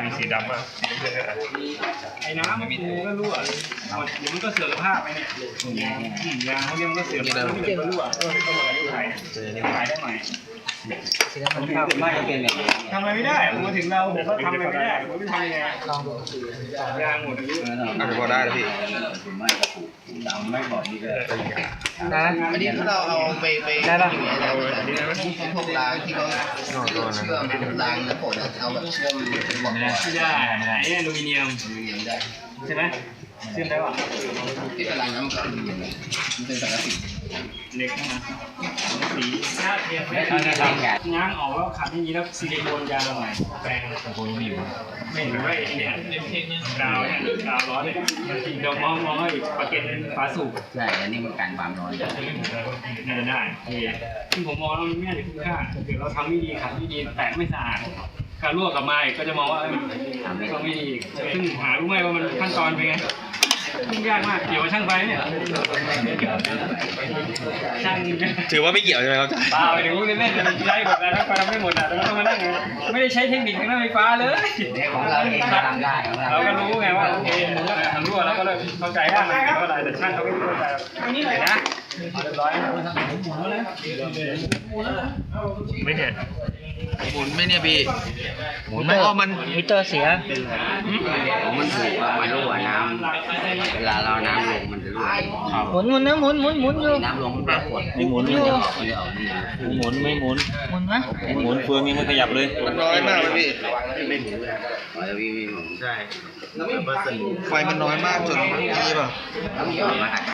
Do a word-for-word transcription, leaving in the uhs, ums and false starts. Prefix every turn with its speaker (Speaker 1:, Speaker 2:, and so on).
Speaker 1: มีสีดำอ่ะสีเลือด
Speaker 2: ไอ้น้ำมันก็รั่วเดี๋ยวมันก็เสื่อมสภาพไปเนี่ยยางเขาเรียกมันก็เสื่อมแล้วมันก็รั่วเออก็หมดอายุไขขายได้ใหม่ผมทำไม่เป็นแบบทำอะไรไม่ได้ผมมาถึงเราผมก็ทำอะไรไม่ได้ผมไม่ทำยังไงลองดูยางหมดอายุ
Speaker 3: อาจจะพอได้แล้วพี่
Speaker 2: ไม่บอกดีเลยนะ
Speaker 4: อันนี้เราเอาไปไป
Speaker 2: ได้ป่ะ
Speaker 4: พวกรางที่เขาเชื่อมรางนะผมเอาแบบเชื่อมเป็นบล็อก
Speaker 2: ไม่ได้ไม่ได้ไอ้อลูมิเนียมใช่ไหมเชื่อมได้ป่ะ
Speaker 4: ที่เป็นรางน้ำมันมันเป็นสังกะสี
Speaker 2: เล็กนะสีหน้าเทียมไม่ได้ทำง้างออกแล้วขัดอย่างนี้แล้วซิลิโคนยางใหม่แปลงโคนมีอยู่ไม่เห็นว่าไอ้เนี่ยกาวเนี่ยกาวร้อนเนี่ยเดี๋ยวมองมองให้ประเก็นฝาสูบ
Speaker 4: ใช่อันนี้มันกันความร้อน
Speaker 2: น่าจะได้ซึ่งผมมองว่ามันไม่น่าจะคุ้มค่าเดี๋ยวเราทำไม่ดีขัดไม่ดีแตกไม่สะอาดการลวกกลับมาอีกก็จะมองว่ามันก็ไม่ดีซึ่งหารู้ไหมว่ามันขั้นตอนเป็นไงยุ่งยากมากเกี่ยวกับช่างไฟเนี่ยช่าง
Speaker 3: ถือว่าไม่เกี่ยวใช่ไหมครับ
Speaker 2: เปล่าเดี๋ยวเล่นๆมันใช้หมดแล้วถ้าทำไม่หมดอ่ะต้องมานั่งไม่ได้ใช้เทคนิคทางด้านไฟฟ้าเลย
Speaker 4: ของเราเองทำได้
Speaker 2: เราก็รู้ไงว่าโอเคทำรั่วแล้วก็เลยเข้าใจว่ามันเป็นอะไรแต่ช่างเขาไม่เข้าใจเดี๋ยวนะเรียบร้อย
Speaker 1: ไม่เห็น
Speaker 3: หมุนไหมเนี่ยพี่หมุนไหมอ๋อมัน
Speaker 2: มิเตอร์เสีย
Speaker 4: มันถูกว่ามันรั่วน้ำเวลาเราน้ำลงมันจะรั่ว
Speaker 2: หมุนหมุนนะหมุนหมุนหมุนอยู่
Speaker 4: น้ำลงมันแบบขวด
Speaker 5: ไม่หมุนไม่หมุน
Speaker 4: มันจะออกนี่
Speaker 5: หมุนไม่หมุน
Speaker 2: หมุนนะ
Speaker 5: หมุนเฟืองยังไม่ขยับเลย
Speaker 3: มันน้อยมากเลยพี่
Speaker 4: อ๋อจะวิ่งวิ่ง
Speaker 3: ใช่ไฟมันน้อยมากจนนี่ป่ะ
Speaker 4: ต้องยอมมาหัด